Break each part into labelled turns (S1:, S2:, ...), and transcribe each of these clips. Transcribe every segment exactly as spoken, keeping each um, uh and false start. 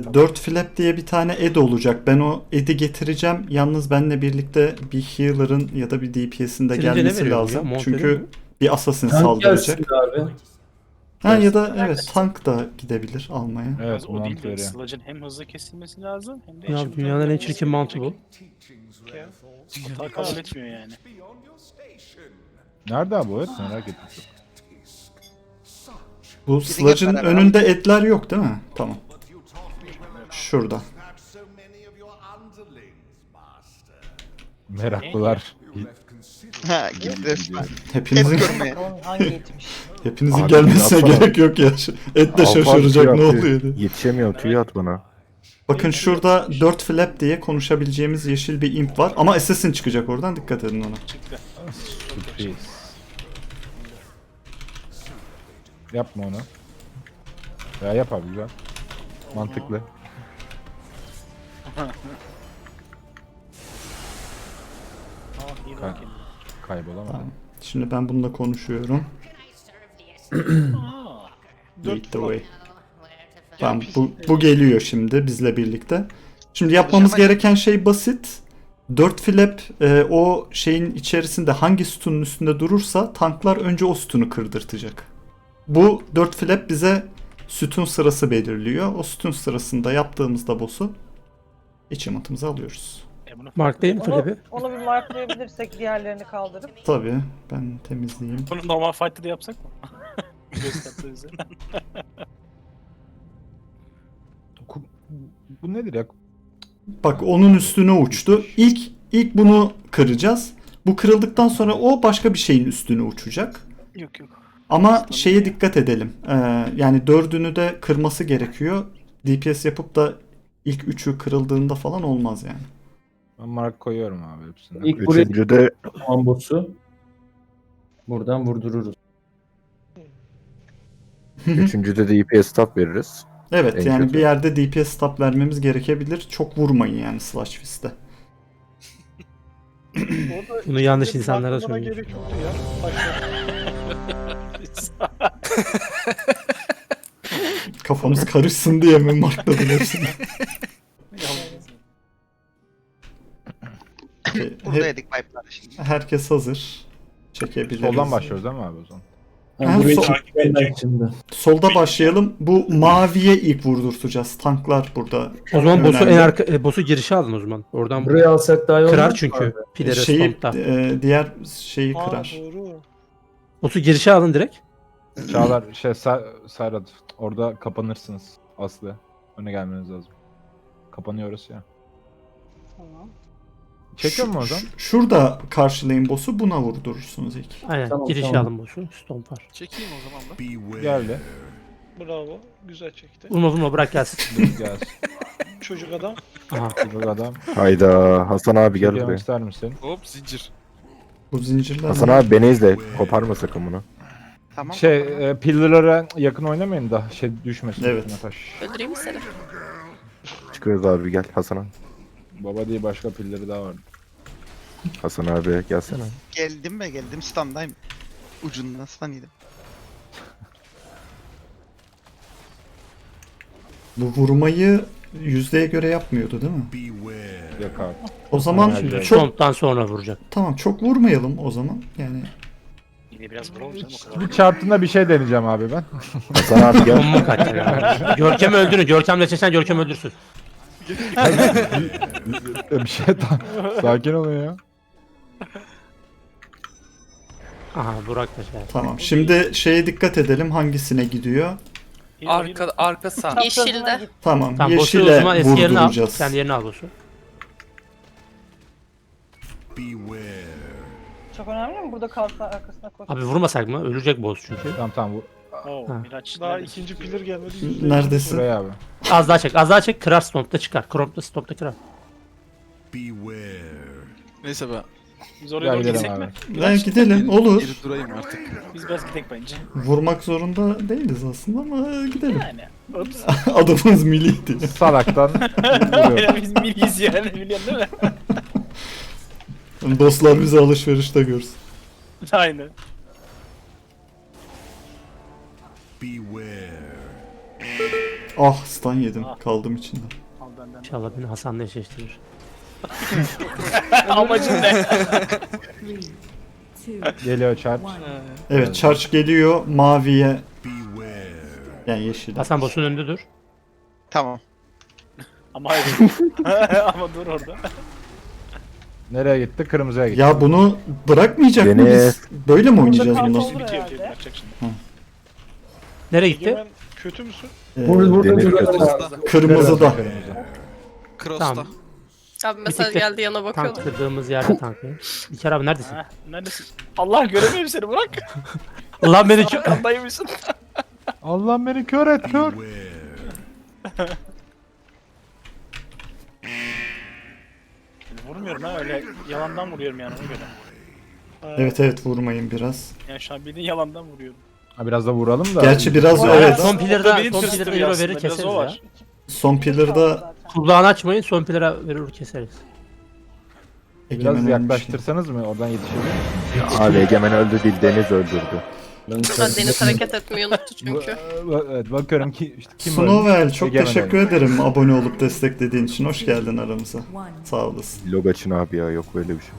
S1: dört flap diye bir tane ed olacak. Ben o ed'i getireceğim. Yalnız benimle birlikte bir healer'ın ya da bir D P S'in de
S2: Silince ne
S1: gelmesi
S2: veriyor bu
S1: lazım.
S2: ya? Mont veriyor
S1: Çünkü
S2: mu?
S1: bir assassin
S3: Tank
S1: saldıracak.
S3: gelsin abi.
S1: Ha ya da evet tank da gidebilir almaya.
S4: Evet,
S5: Yalnız o
S4: mont
S5: değil de
S4: veriyor.
S5: Sludge'ın hem hızlı kesilmesi lazım hem de
S2: Ya
S5: eşimden
S2: dünyanın en
S5: gelmesi
S2: çirkin mantı bu.
S5: gerekiyor. Hata kabul etmiyor yani.
S4: Nerede abi o et? Merak ettim.
S1: Bu Sludge'ın
S6: beraber
S1: önünde edler yok değil mi? Tamam. Şurada.
S4: Meraklılar.
S6: Ha gitti resmen.
S1: Hepinizin
S6: Et görmeye.
S7: Hangi etmiş?
S1: hepinizin
S8: Abi,
S1: gelmesine
S8: yapsana.
S1: gerek yok ya. Şu- Et de
S8: Alfa
S1: şaşıracak
S8: tüy
S1: ne
S8: atıyor.
S1: oluyor diye.
S8: Yetişemiyor tüy at bana.
S1: Bakın şurada dört flap diye konuşabileceğimiz yeşil bir imp var. Ama assassin çıkacak oradan, dikkat edin ona.
S5: Çıktı.
S4: Sürpriz. Yapma onu. Ya yap abi güzel. Mantıklı.
S5: Aa iyi
S4: Ka-
S5: bak kendine.
S4: Kaybolamadım.
S1: Tamam. Şimdi ben bununla konuşuyorum.
S5: Aa,
S1: Lead the way. Tamam bu, bu geliyor şimdi bizle birlikte. Şimdi yapmamız
S6: Konuşamayız.
S1: gereken şey basit. dört flap e, o şeyin içerisinde hangi sütunun üstünde durursa tanklar önce o sütunu kırdırtacak. Bu dört flap bize sütun sırası belirliyor. O sütun sırasında yaptığımızda boss'u achievement'ımızı alıyoruz.
S5: e bunu
S2: Mark değil mi
S7: Onu,
S2: Flebi?
S7: onu bir marklayabilirsek diğerlerini kaldırıp.
S1: Tabii ben temizleyeyim.
S5: Bunu normal fight'ta da yapsak mı? Gösterdi üzerinden.
S4: Ku- Bu nedir ya?
S1: Bak onun üstüne uçtu. İlk ilk bunu kıracağız. Bu kırıldıktan sonra o başka bir şeyin üstüne uçacak.
S5: Yok yok.
S1: Ama şeye dikkat edelim. Ee, yani dördünü de kırması gerekiyor. D P S yapıp da ilk üçü kırıldığında falan olmaz yani.
S4: Ben mark koyuyorum abi hepsine.
S3: İlk buraya
S8: Üçüncüde
S3: ambosu. Buradan vurdururuz.
S8: üçüncüde de E P S stop veririz.
S1: Evet
S8: En
S1: yani
S8: kötü.
S1: bir yerde D P S stop vermemiz gerekebilir. Çok vurmayın yani Slash Fist'te.
S2: Bunu yanlış insanlara söylüyorsun.
S5: Gerek yoktu ya.
S1: Kafamız karışsın diye mi markladım hepsini? Okey,
S6: Burada
S1: he-
S6: yedik pipe'lar şimdi.
S1: herkes hazır. Çekebiliriz.
S4: Soldan başlıyoruz değil mi abi o zaman?
S1: Ha,
S3: Ha, burayı
S1: sol-
S3: takip edecek şimdi.
S1: Solda başlayalım. Bu maviye ilk vurdurtacağız. Tanklar burada.
S2: O zaman boss'u en
S1: önemli.
S2: arka e, boss'u girişe alın o zaman. Oradan
S3: Burayı alsak daha iyi olmaz
S2: kırar
S3: mı
S2: çünkü.
S3: abi?
S2: Pilere
S1: Şeyi,
S2: Stomp'ta.
S1: e, diğer şeyi kırar.
S5: doğru.
S2: Boss'u girişe alın direkt.
S4: Çağlar şey Sa- Serhat orada kapanırsınız Aslı. Öne gelmeniz lazım. Kapanıyoruz ya.
S7: Tamam.
S4: Çekiyor mu o zaman?
S1: Ş- Şurada karşılayın boss'u, buna vurdurursunuz ilk.
S2: Aynen.
S3: Tamam,
S2: girişe
S3: tamam.
S2: alın boss'u. Stomp var.
S5: Çekeyim o zaman da.
S4: Geldi.
S5: Bravo. Güzel çekti.
S2: Vurma vurma bırak gelsin.
S4: Dur gelsin.
S5: Çocuk adam.
S2: Aha.
S4: Bu adam.
S8: Hayda Hasan abi gel
S4: Çekiyorum
S8: buraya.
S4: ister misin?
S9: Hop zincir.
S1: Bu zincirler
S8: Hasan
S1: mi?
S8: abi beni izle. Koparma sakın bunu.
S6: Tamam.
S4: Şey e, pillar'a yakın oynamayın da şey düşmesin.
S1: Evet.
S4: üstüne Taş.
S10: Öldüreyim mi seni?
S8: Çıkıyoruz abi gel Hasan abi.
S4: Baba diye başka pilleri daha var.
S8: Hasan abi gelsene.
S6: Geldim ve geldim standayım. Ucundan stand yedim.
S1: Bu vurmayı yüzdeye göre yapmıyordu değil mi?
S4: Yok abi.
S1: O zaman
S4: Aynen.
S2: Şimdi
S1: çok
S2: Stomp'tan sonra vuracak.
S1: tamam çok vurmayalım o zaman. Yani
S5: Yine biraz vuralım canım o kadar.
S4: Bir çarptığında bir şey deneyeceğim abi ben.
S8: Hasan abi gel.
S2: Bomba kaçacak abi. Görkem öldürün. Görkemle seçen Görkem öldürsün.
S4: bir şey ta- sakin olun ya.
S2: Aha Burak da şey.
S1: tamam. Şimdi şeye dikkat edelim hangisine gidiyor.
S9: Arka arka sağ.
S10: Yeşilde.
S1: Tamam,
S2: Tamam boss'u o
S1: yeşile
S2: zaman eski yerine al.
S1: vurduracağız.
S2: Kendi yerine al boss'u.
S7: Çok önemli mi? Burada kalsa arkasına koş.
S2: Abi vurmasak mı? Ölecek boss çünkü.
S4: Tamam tamam bu
S5: Oo,
S2: Ha.
S5: Miraç. Daha ikinci pillar gelmedi.
S1: Neredesin?
S4: buraya abi.
S2: Az daha çek. Az daha çek. Kırar Stomp'ta çıkar. Crop'ta Stomp'ta kırar.
S9: Neyse ben
S5: Biz oraya
S4: Gel
S5: doğru
S4: gidelim
S5: gitsek
S4: abi.
S5: mi?
S1: Ben gidelim olur.
S9: geri durayım artık.
S5: Biz biraz gidelim bence.
S1: Vurmak zorunda değiliz aslında ama gidelim.
S5: Yani. Ops.
S1: Adamımız miliydi.
S4: Salaktan vuruyorum.
S5: Aynen biz milliyiz yani biliyorsun değil mi?
S1: Dostlar bizi alışverişte görsün.
S5: Aynen.
S1: Ah stun yedim.
S5: Ah.
S1: Kaldım içinde.
S5: Al benden.
S2: İnşallah beni Hasan'la eşleştirir.
S5: Amacın ne?
S4: Geliyor charge.
S1: Evet charge geliyor maviye. Yani yeşile.
S2: Hasan boss'un önünde dur.
S6: Tamam.
S5: Ama hayır. Ama dur orada.
S4: Nereye gitti? Kırmızıya gitti.
S1: Ya bunu bırakmayacak
S8: Deniz.
S1: mıyız? Böyle mi oynayacağız
S7: Burada
S1: bunu?
S7: kaldı.
S5: Bitiyor
S7: herhalde.
S5: bitiyor. Bırakacak şimdi.
S2: Nereye gitti?
S5: Egemen kötü müsün?
S1: Ee,
S3: Burada, burada
S8: Demir
S3: duralım
S8: kötü.
S3: abi.
S1: kırmızıda.
S4: Kırmızı.
S9: Cross'ta.
S2: Tamam.
S10: Abi mesaj
S2: tık da
S10: geldi yana bakıyordum.
S2: Tank kırdığımız yerde tanklayın. İlker abi neredesin?
S5: Ha, neredesin? Allah göremiyorum seni bırak.
S2: Allah beni çok...
S5: Arkandaymışsın.
S4: Allah beni kör et kör.
S5: Vurmuyorum ha öyle yalandan vuruyorum yani ona göre. Ha,
S1: Evet evet vurmayın biraz.
S5: Yani şu an bildiğin yalandan vuruyorum.
S4: Ha, biraz da vuralım da.
S1: Gerçi biraz
S7: Bu
S1: evet.
S2: Son
S5: O da
S2: pillar'da,
S5: beni
S2: son
S5: tırstırıyor
S2: pillar'da euro
S5: aslında,
S2: verir
S5: biraz
S2: keseriz
S5: o
S2: ya.
S5: var.
S1: Son pillar'da
S2: Kulağını açmayın, son pillar'a verir keseriz.
S1: Egemen
S4: Biraz
S1: ölmüş.
S4: yaklaştırsanız mı? Oradan yetişebilir mi?
S8: Abi Egemen öldü değil Deniz öldürdü.
S3: Ben
S10: Ha, Deniz hareket etmeyi unuttu çünkü.
S4: Bu- Evet bakıyorum ki işte kim
S1: Snowell
S4: öldü?
S1: çok
S4: Egemen
S1: teşekkür
S4: öldü.
S1: ederim abone olup desteklediğin için. Hoş geldin aramıza. Sağ olasın.
S8: Logaçın abi ya yok böyle bir şey.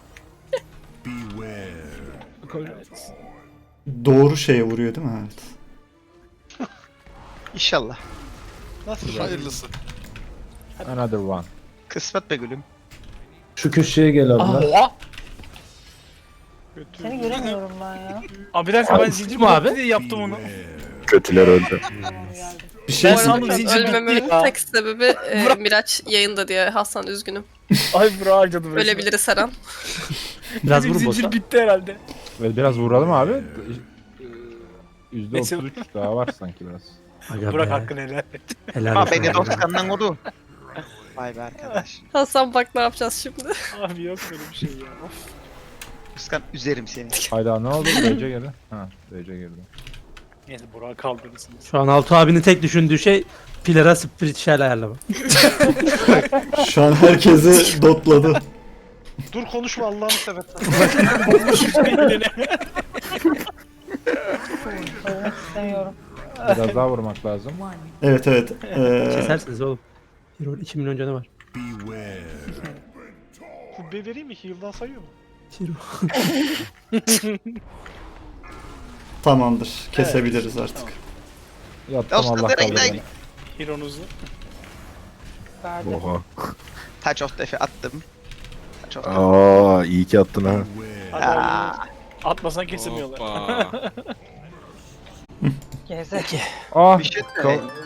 S1: Doğru şeye vuruyor değil mi? Evet.
S6: İnşallah.
S5: Nasıl
S9: Hayırlısı.
S4: Another one.
S6: Kısmet be gülüm.
S3: Şu köşeye gel abla.
S5: Oha! Kötü.
S7: Seni göremiyorum ben ya.
S5: Abi bir dakika ben
S2: Abi,
S5: zincir
S2: mi abi?
S5: bloklu diye yaptım onu.
S8: Kötüler öldü.
S1: Bir şey
S5: Ben
S10: Bu
S5: sandım
S10: arada
S5: zincir bitti
S10: ölmememin
S5: ya.
S10: tek sebebi e, Miraç yayında diye. Hasan üzgünüm.
S5: Ay bro harcadım. resmen.
S10: Ölebiliriz her an.
S2: Biraz
S5: Benim
S2: vur
S5: zincir
S2: boss'a.
S5: bitti herhalde.
S4: Ve biraz vuralım abi. Yüzde
S5: Neyse.
S4: otuz üç daha var sanki biraz.
S2: Aga
S5: Bırak
S2: be,
S5: hakkını helal et.
S2: helal
S6: Ha
S2: olsun
S6: beni
S2: abi.
S6: dostlarından vurdu. Vay be arkadaş.
S10: Hasan bak ne yapacağız şimdi.
S5: Abi yok böyle bir şey ya. Of.
S6: Kıskan üzerim seni.
S4: Hayda ne oldu? D C girdi. Ha D C girdi.
S5: Neyse Burak'ı kaldırırsınız.
S2: Şu an Altuğ abinin tek düşündüğü şey pillara spiritual ayarlama.
S1: Şu an herkesi dotladı.
S5: Dur konuşma Allah'ını seversen.
S7: Söylemek istemiyorum.
S4: Biraz daha vurmak lazım.
S1: Evet evet. Ee,
S2: Kesersiniz oğlum. Hero iki milyon canı var.
S5: Kubbe vereyim mi? Heal'dan sayıyor mu?
S2: Hero.
S1: tamamdır. Kesebiliriz artık.
S4: Yattım
S6: Dostlar,
S4: Allah
S6: nereye
S4: kaldı
S6: gidelim?
S4: beni.
S5: Hero'nuzu.
S7: Verdi.
S8: Oha.
S6: Touch of Death'i attım. Touch of Death.
S8: Aa iyi ki attın ha.
S5: Hadi
S6: Aa,
S5: oğlum. Atmasan kesemiyorlar.
S9: Hoppa.
S7: Geze.
S4: Ah
S6: bir şey
S4: kal-
S6: söyleyeyim.